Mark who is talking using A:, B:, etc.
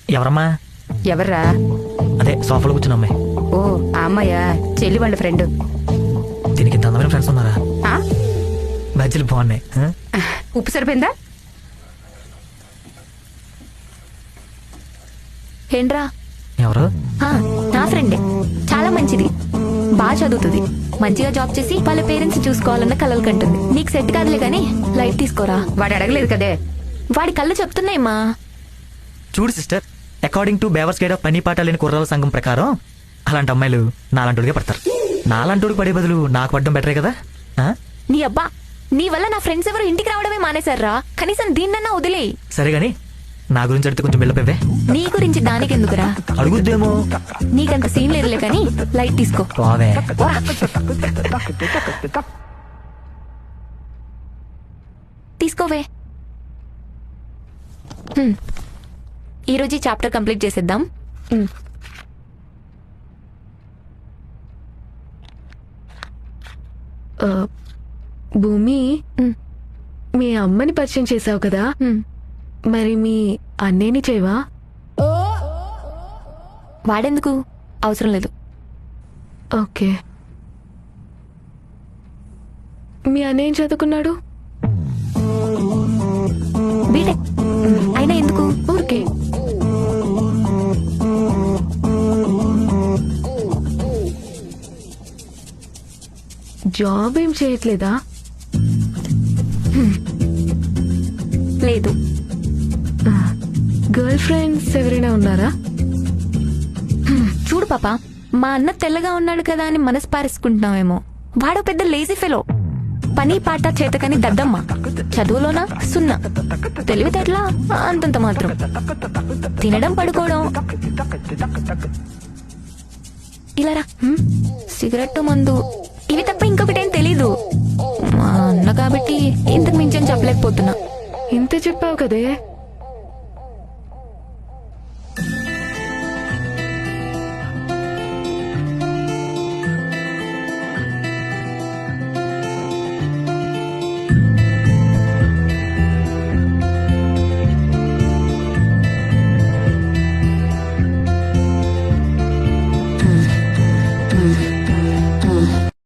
A: ఎవరమ్మా?
B: ఎవర్రా?
A: అదే సోఫాలో కూర్చున్న అమ్మాయి.
B: ఓ ఆ అమ్మాయా? చెల్లి వాళ్ళ ఫ్రెండ్.
A: దీనికి ఇంత అందమైన ఫ్రెండ్స్ ఉన్నారా? బజ్జీలు బాగున్నాయి.
B: ఉప్పు సరిపోయిందా?
C: ఏంట్రా?
A: ఎవరు?
C: నా ఫ్రెండే, చాలా మంచిది, బాగా చదువుతుంది, మంచిగా జాబ్ చేసి వాళ్ళ పేరెంట్స్ చూసుకోవాలన్న కలలు కంటుంది. నీకు సెట్ కాదులే గానీ లైట్ తీసుకోరా.
B: వాడు అడగలేదు కదే.
C: వాడి కళ్ళు చెప్తున్నాయమ్మా.
A: చూడు సిస్టర్, అకార్డింగ్ టు బేవర్స్ గైడ్ ఆఫ్ పని పాట లేని కుర్రాల సంఘం ప్రకారం అలాంటి అమ్మాయిలు నాలాంటిగా పడతారు. నాలాంటి పడే బదులు నాకు పడడం బెటరే కదా.
C: నీ అబ్బా, నీ వల్ల నా ఫ్రెండ్స్ ఎవరు ఇంటికి రావడమే మానేశారా? కనీసం దీన్నన్నా వదిలేయి.
A: సరే గాని నా గురించి అడిగితే కొంచెం బిల్డప్.
C: నీ గురించి దానికి ఎందుకురా?
A: అడుగుద్దేమో.
C: నీకంత సీన్ లేదులే కానీ లైట్ తీసుకో.
A: బావే.
C: తీసుకోవే. ఈరోజు ఈ చాప్టర్ కంప్లీట్ చేసేద్దాం.
D: భూమి, మీ అమ్మని పరిచయం చేసావు కదా, మరి మీ అన్నేని చేయవా?
C: వాడెందుకు? అవసరం లేదు.
D: ఓకే. మీ అన్నయ్య ఏం చదువుకున్నాడు?
C: బీటెక్. అయినా ఎందుకు?
D: ఊరికే. జాబ్ ఏం చేయట్లేదా?
C: లేదు.
D: గర్ల్ ఫ్రెండ్స్ ఎవరైనా ఉన్నారా?
C: చూడు పాప, మా అన్న తెల్లగా ఉన్నాడు కదా అని మనసు పారేసుకుంటున్నావేమో. వాడు పెద్ద లేజీ ఫెలో, పని పాట చేతకని దద్దమ్మ, చదువులోనా సున్నా, తెలివితేటలా అంతంత మాత్రం, తినడం పడుకోవడం. ఇలారా, సిగరెట్ మందు ఇవి తప్ప ఇంకొకటేం తెలీదు. మా అన్న కాబట్టి ఇంతకు మించని చెప్పలేకపోతున్నా.
D: ఇంత చెప్పావు కదే.